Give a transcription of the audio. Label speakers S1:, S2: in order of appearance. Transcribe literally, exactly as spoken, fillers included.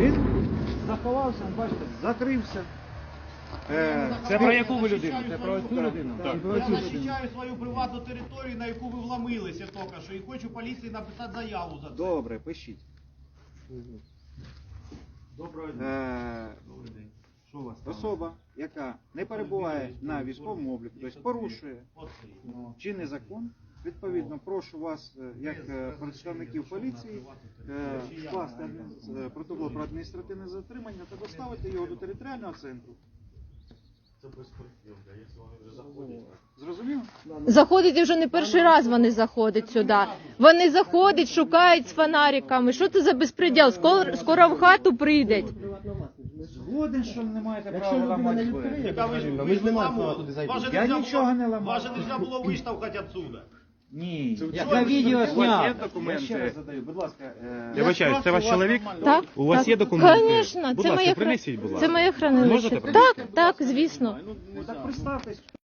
S1: Він заховався, бачите, закрився. Е,
S2: Це про яку ви людину? Це про цю людину?
S1: Так.
S2: Так.
S3: Я захищаю свою приватну територію, на яку ви вломилися тільки що, і хочу поліції написати заяву за це.
S1: Добре, пишіть.
S3: Доброго дня.
S1: Е,
S3: Добрий день. Що у вас там?
S1: особа, яка не перебуває на військовому обліку, тобто порушує чинний закон, відповідно, прошу вас, е, як е, представників поліції, е, скласти адмін- е, протокол про адміністративне затримання та доставити його до територіального центру.
S3: Це безпреділка, якщо вони вже заходять.
S1: Зрозуміло?
S4: Заходить і вже не перший раз вони заходять сюди. Вони заходять, шукають з фонариками. Що це за безпреділ? Скоро, скоро в хату прийдуть.
S1: Згоден, що не маєте права ламати двері.
S3: Яка ви ж
S2: Ми
S3: ви
S2: ж
S3: ж
S2: не маємо
S3: ламали.
S2: права туди зайти.
S3: Вас же
S1: Я
S3: нельзя
S1: нічого
S3: було-
S1: не ламав.
S3: Вас же нельзя було виштовхати отсюда.
S1: Ні.
S2: Я на відео
S1: У вас є
S2: зняв.
S1: документи? Я ще раз задаю, будь ласка. е,
S5: Я вибачаюсь, це ваш чоловік?
S4: Так,
S5: У вас
S4: так.
S5: є документи?
S4: Конечно,
S5: Будь
S4: це
S5: ласка,
S4: моє,
S5: принесіть, будь
S4: це
S5: ласка.
S4: моє хранилище.
S5: Можете
S4: Так, так, звісно.
S1: Ну так представтесь.